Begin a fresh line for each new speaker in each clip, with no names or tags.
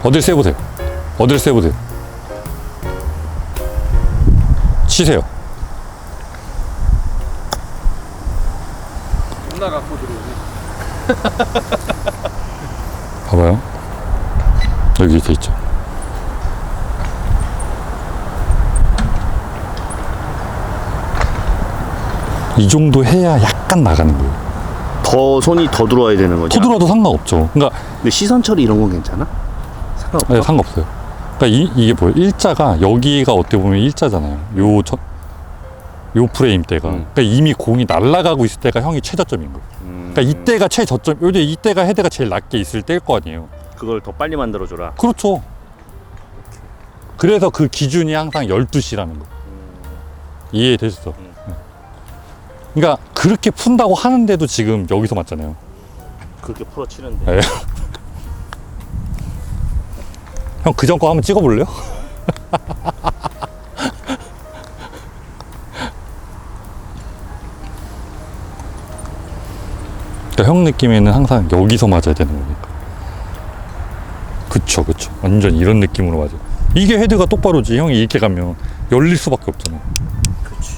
어딜 세보세요. 어딜 세보세요. 치세요.
존나 갖고 들어오네.
봐봐요. 여기 이렇게 있죠. 이 정도 해야 약간 나가는 거예요.
더 손이 더 들어와야 되는 거죠?
더 들어도 상관없죠. 그러니까
근데 시선 처리 이런 건 괜찮아? 상관없어?
네, 상관없어요. 그러니까 이게 뭐예요? 일자가 여기가 어떻게 보면 일자잖아요. 요 프레임 때가. 그러니까 이미 공이 날아가고 있을 때가 형이 최저점인 거예요. 그러니까 이때가 최저점. 요즘 이때가 헤드가 제일 낮게 있을 때일 거 아니에요.
그걸 더 빨리 만들어줘라.
그렇죠. 그래서 그 기준이 항상 12시라는 거. 이해됐어. 그러니까 그렇게 푼다고 하는데도 지금 여기서 맞잖아요.
그렇게 풀어치는데.
네. 형 그전 거 한번 찍어볼래요? 그러니까 형 느낌에는 항상 여기서 맞아야 되는 거니까. 그쵸. 완전 이런 느낌으로 맞아. 이게 헤드가 똑바로지. 형이 이렇게 가면 열릴 수밖에 없잖아.
그렇지.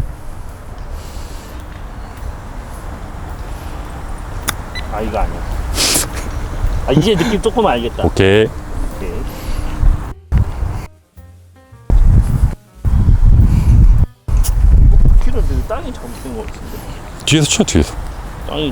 아, 이거 아니야. 아, 이제 느낌 조금 알겠다.
오케이.
오케이. 키로는 땅이 잘못된 것 같은데.
뒤에서 쳐, 뒤에서.
땅이.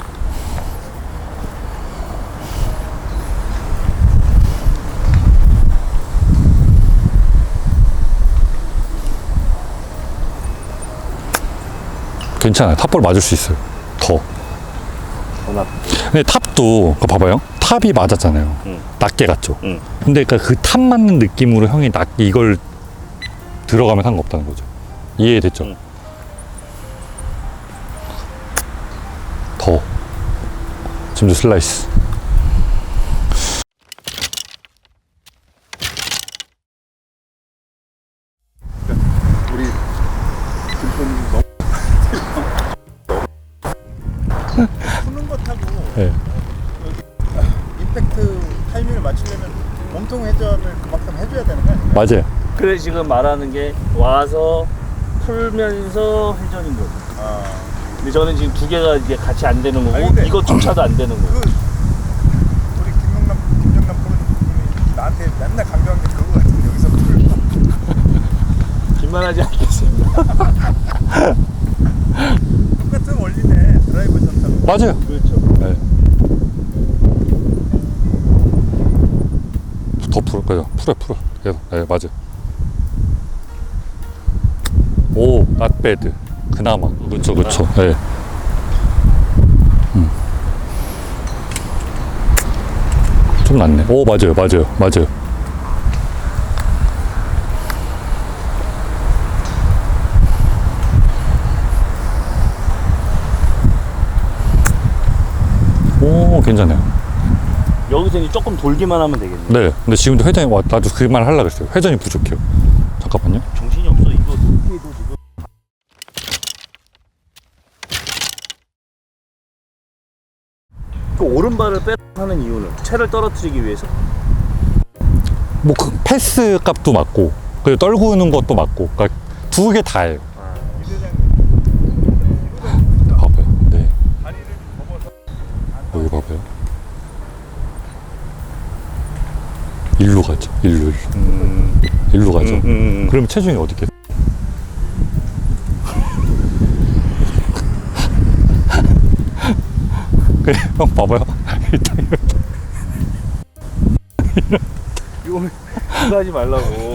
괜찮아요. 탑볼 맞을 수 있어요. 더.
더
근데 탑도, 그거 봐봐요. 탑이 맞았잖아요. 낮게 갔죠. 근데 그러니까 그 탑 맞는 느낌으로 형이 낮게 이걸 들어가면 상관없다는 거죠. 이해됐죠? 더. 지금도 슬라이스.
우리 김포님 너무 푸는 거 타고
네.
임팩트 타이밍을 맞추려면 몸통 회전을 그만큼 해줘야 되는 거 아니에요?
맞아요.
그래 지금 말하는 게 와서 풀면서 회전인 거죠.
아,
근데 저는 지금 두 개가 이제 같이 안 되는 거고
아니, 근데
이것조차도 안 되는 거고.
우리 김정남 프로님이 나한테 맨날 강조한 게 그거 같은데 여기서 풀
긴만하지 않겠습니다.
똑같은 원리네. 드라이버 전타고.
맞아요.
그렇죠.
네. 더 풀어. 계속. 네, 맞아요. 오, not bad. 그나마. 그쵸. 네. 좀 낫네. 오, 맞아요. 오, 괜찮아요.
여기서 이제 조금 돌기만 하면 되겠네.
네. 근데 지금도 회전이, 나도 그 말 하려고 했어요. 회전이 부족해요. 잠깐만요.
정신이 없어. 이거 높이도 지금. 그 오른발을 빼 하는 이유는 채를 떨어뜨리기 위해서?
뭐, 그 패스 값도 맞고, 그리고 떨구는 것도 맞고, 그러니까 두 개 다예요. 봐봐요. 네.
다리를 접어서
여기 봐봐요. 일로 가죠. 일로. 일로 가죠. 그러면 체중이 어디 있겠어? 그래, 형 봐봐요. 일단
이거 하지 말라고.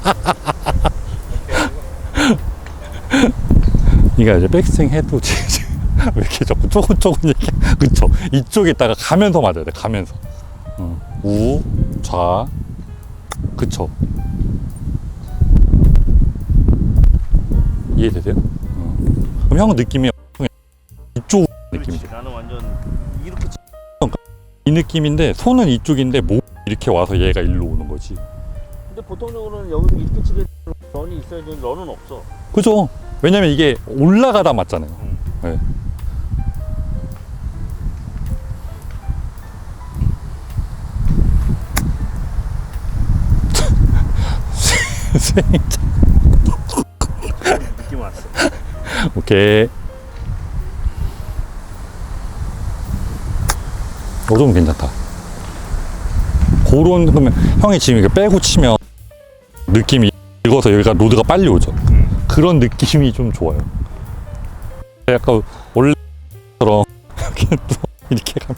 그러니까 이제 백스윙 해도 왜 이렇게 자꾸 조금 얘기? 그쵸? 이쪽에다가 가면서 맞아야 돼. 가면서. 우, 좌, 그쵸? 이해되세요? 그럼 형은 느낌이 이쪽 느낌이죠.
그렇지. 나는 완전 이렇게.
이 느낌인데 손은 이쪽인데 목 이렇게 와서 얘가 일로 오는 거지.
근데 보통적으로는 여기서 이렇게 치게 런이 있어야지 런은 없어.
그죠? 왜냐면 이게 올라가다 맞잖아요. 네. 스윙자.
느낌 왔어.
오케이. 좀 괜찮다. 그런, 그러면 형이 지금 이거 빼고 치면 느낌이 익어서 여기가 로드가 빨리 오죠. 그런 느낌이 좀 좋아요. 약간 원래처럼 이렇게 또 이렇게 가면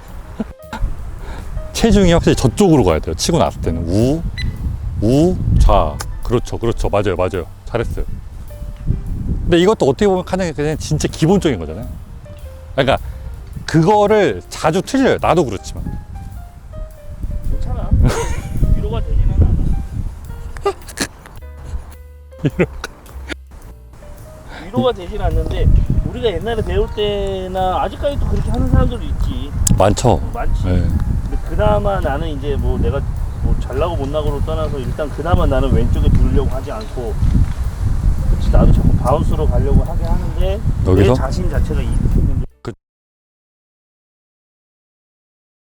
체중이 확실히 저쪽으로 가야 돼요. 치고 났을 때는 좌. 그렇죠, 그렇죠. 맞아요, 맞아요. 잘했어요. 근데 이것도 어떻게 보면 그냥 진짜 기본적인 거잖아요. 그러니까 그거를 자주 틀려요. 나도 그렇지만.
괜찮아. 위로가 되지는 않아. 위로가 되진 않는데 우리가 옛날에 배울 때나 아직까지도 그렇게 하는 사람들도 있지.
많죠.
많지.
네.
근데 그나마 나는 이제 뭐 내가 뭐 잘나고 못나고로 떠나서 일단 그나마 나는 왼쪽에 두려고 하지 않고, 그치, 나도 자꾸 바운스로 가려고 하게 하는데
여기서?
내 자신 자체가